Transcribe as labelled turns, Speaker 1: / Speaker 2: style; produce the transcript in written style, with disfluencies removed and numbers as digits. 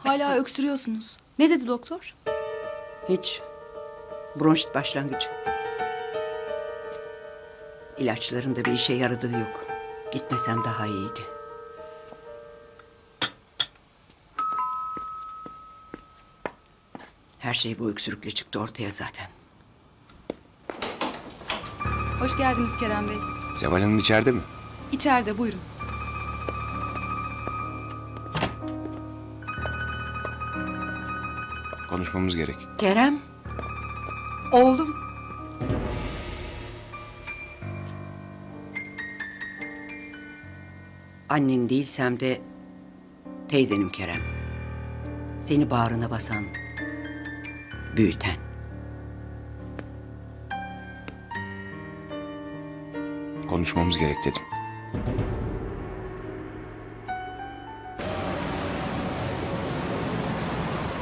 Speaker 1: Hala öksürüyorsunuz. Ne dedi doktor?
Speaker 2: Hiç. Bronşit başlangıcı. İlaçların da bir işe yaradığı yok. Gitmesem daha iyiydi. Her şey bu öksürükle çıktı ortaya zaten.
Speaker 1: Hoş geldiniz Kerem Bey.
Speaker 3: Seval Hanım içeride mi?
Speaker 1: İçeride buyurun.
Speaker 3: Konuşmamız gerek.
Speaker 2: Kerem. Oğlum. Annen değilsem de teyzenim Kerem. Seni bağrına basan, büyüten.
Speaker 3: Konuşmamız gerek dedim.